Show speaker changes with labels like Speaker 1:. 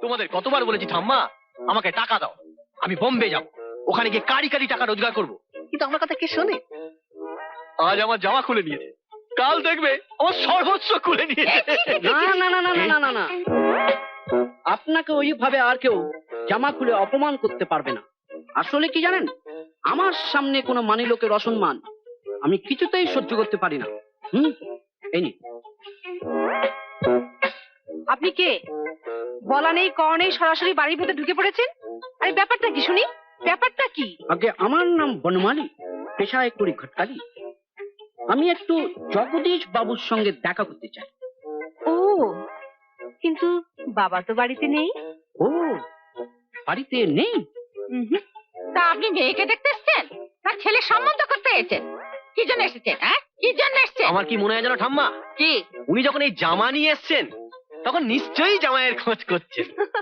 Speaker 1: তোমাদের কতবার বলেছি ঠাম্মা আমাকে টাকা দাও, আমি বোম্বে যাব, ওখানে গিয়ে কারি কারি টাকা রোজগার করব, কিন্তু আমার কথা কে শোনে? আজ আমার জামা খুলে নিয়েছে, কাল দেখবে আমার সর্বোচ্চ খুলে নিয়েছে।
Speaker 2: না না না না না না না, আপনাকে ওইভাবে আর কেউ জামা খুলে অপমান করতে পারবে না। আসলে কি জানেন, আমার সামনে কোনো মানি লোকের অসম্মান আমি কিছুতেই সহ্য করতে পারি না। এই নিন।
Speaker 3: আপনি কে? বলা নেই কওয়া নেই সরাসরি বাড়ির ভেতর ঢুকে পড়েছেন। আরে ব্যাপারটা কি শুনি, ব্যাপারটা কি?
Speaker 2: আগে আমার নাম বনমালী, পেশায় করি ঘটকালি। আমি একটু জগদীশ বাবুর সঙ্গে দেখা করতে চাই।
Speaker 3: ও, কিন্তু বাবা তো বাড়িতে নেই।
Speaker 2: ও, বাড়িতে নেই?
Speaker 3: তা আপনি মেয়েকে দেখতে এসেছেন না ছেলের সম্বন্ধ করতে এসেছেন? কি জন্য এসেছেন? হ্যাঁ, কি জন্য এসেছেন?
Speaker 1: আমার কি মনে হয় জানো ঠাম্মা,
Speaker 3: কি?
Speaker 1: উনি যখন এই জামা নিয়ে এসছেন তখন নিশ্চয়ই জামাইয়ের খোঁজ করছেন।